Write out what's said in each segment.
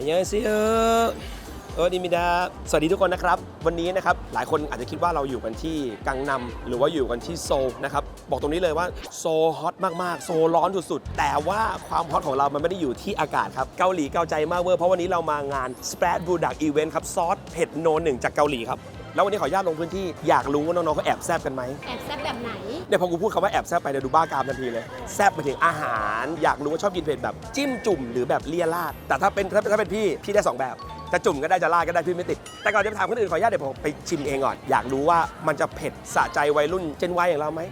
ยเซียดีมิดาสวัสดีทุกคนนะครับวันนี้นะครับหลายคนอาจจะคิดว่าเราอยู่กันที่กังนัมหรือว่าอยู่กันที่โซลนะครับบอกตรงนี้เลยว่าโซลฮอตมากๆโซลร้อนสุดๆแต่ว่าความฮอตของเรามันไม่ได้อยู่ที่อากาศครับเกาหลีเกาใจมากเวอร์เพราะวันนี้เรามางาน Spread Budak Event ครับซอสเผ็ดโนหนึ่งจากเกาหลีครับแล้ววันนี้ขออนุญาตลงพื้นที่อยากรู้ว่าน้องๆเขาแอบแซบกันไหมแอบแซบแบบไหนเนี่ยพอกูพูดคำว่าแอบแซบไปเดี๋ยวดูบ้ากามทันทีเลยแซบไปถึงอาหารอยากรู้ว่าชอบกินเผ็ดแบบจิ้มจุ่มหรือแบบเลี่ยราดแต่ถ้าเป็นพี่ได้2แบบจะจุ่มก็ได้จะราดก็ได้พี่ไม่ติดแต่ก่อนจะไปถามคนอื่นขออนุญาตเดี๋ยวผมไปชิมเองก่อนอยากรู้ว่ามันจะเผ็ดสะใจวัยรุ่นเจนวัยอย่างเราไหม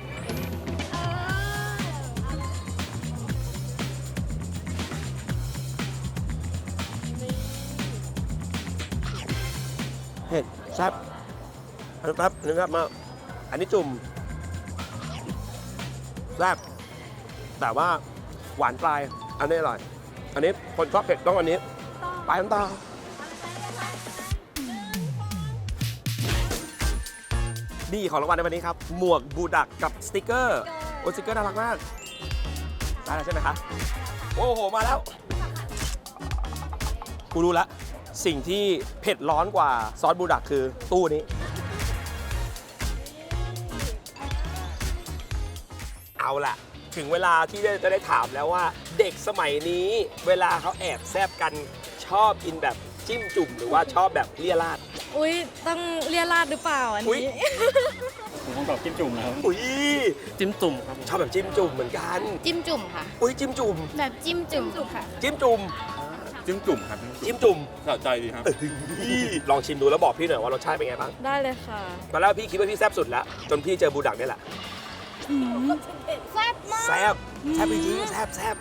เผ็ดแซ่บครับนะครับมาอันนี้จุ่มแซ่บแต่ว่าหวานปลายอันนี้อร่อยอันนี้คนชอบเผ็ดต้องอันนี้ปลายน้ำตานี่ของรางวัลในวันนี้ครับหมวกบูดักกับสติกเกอร์โอ้สติกเกอร์น่ารักมากได้แล้วใช่ไหมคะโอ้โหมาแล้วกูรู้ละสิ่งที่เผ็ดร้อนกว่าซอสบูดักคือตู้นี้เอาล่ะถึงเวลาที่จะได้ถามแล้วว่าเด็กสมัยนี้เวลาเขาแอบแซบกันชอบกินแบบจิ้มจุ่มหรือว่าชอบแบบเลี่ยราดอุ้ยต้องเลียราดหรือเปล่าอันนี้ผมคงตอบจิ้มจุ่มนะครับอุ้ยจิ้มจุ่มครับชอบแบบจิ้มจุ่มเหมือนกันจิ้มจุ่มค่ะอุ้ยจิ้มจุ่มแบบจิ้มจุ่มค่ะจิ้มจุ่มจิ้มจุ่มครับจิ้มจุ่มสะใจดีครับลองชิมดูแล้วบอกพี่หน่อยว่ารสชาติเป็นไงบ้างได้เลยค่ะตอนแรกพี่คิดว่าพี่แซบสุดแล้วจนพี่เจอบูดักนี่แหละแซ่บมากแซบจริงแซบ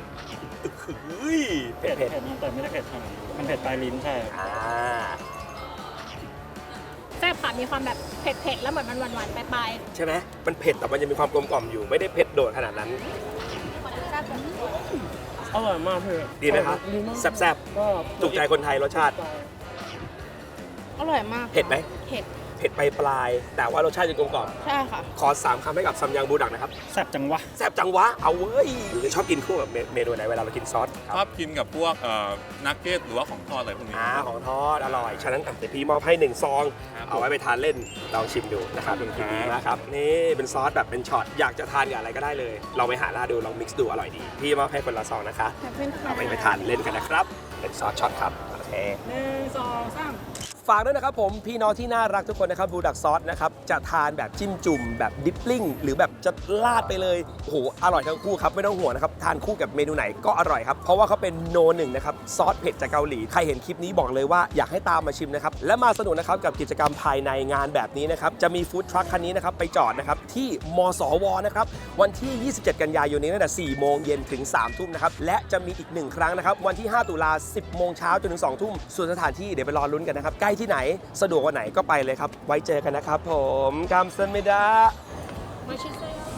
เผ็ดแต่ไม่ได้เผ็ดขนาดมันเผ็ดปลายลิ้นใช่แซ่บค่ะมีความแบบเผ็ดแล้วเหมือนมันหวานๆปลายใช่ไหมมันเผ็ดแต่มันยังมีความกลมกล่อมอยู่ไม่ได้เผ็ดโดดขนาดนั้นอร่อยมากเพื่อนดีไหมครับแซ่บก็ถูกใจคนไทยรสชาติอร่อยมากเผ็ดไหมเผ็ดไปปลายแต่ว่ารสชาติยังกลมกล่อมใช่ค่ะขอ3คำให้กับซัมยังบูดักนะครับแซ่บจังวะเอาเว้ยชอบกินคู่กับเมนูไหนเวลาเรากินซอสชอบกินกับพวกนักเก็ตหรือว่าของทอดอะไรพวกนี้ของทอดอร่อยฉะนั้นเดี๋ยวพี่มอบให้1ซองเอาไว้ไปทานเล่นลองชิมดูนะครับเป็นดีนะครับนี่เป็นซอสแบบเป็นช็อตอยากจะทานกับอะไรก็ได้เลยลองไปหาล่าดูลองมิกซ์ดูอร่อยดีพี่มอบให้คนละซองนะคะเอาไปทานเล่นกันนะครับเป็นซอสช็อตครับโอเค 1 2 3 ฝากด้วยนะครับผมพี่น้องที่น่ารักทุกคนนะครับบูดักซอสนะครับจะทานแบบจิ้มจุ่มแบบดิปปิ้งหรือแบบจะราดไปเลยโอ้โหอร่อยทั้งคู่ครับไม่ต้องห่วงนะครับทานคู่กับเมนูไหนก็อร่อยครับเพราะว่าเขาเป็นโนหนึ่งนะครับซอสเผ็ดจากเกาหลีใครเห็นคลิปนี้บอกเลยว่าอยากให้ตามมาชิมนะครับและมาสนุกนะครับกับกิจกรรมภายในงานแบบนี้นะครับจะมีฟู้ดทรัคคันนี้นะครับไปจอดนะครับที่มสวนะครับวันที่27กันยายนนี้ตั้งแต่4 โมงเย็นถึง3 ทุ่มนะครับและจะมีอีก1ครั้งนะครับวันที่5 ตุลา10 โมงเช้าจนถึง2 ทุ่มส่วนสถานที่เดี๋ยวไปรอลุ้นกันนะครับใกล้ที่ไหนสะดวกวันไหนก็ไปเลยครับไว้เจอกันนะครับผมกัมซันเมดะ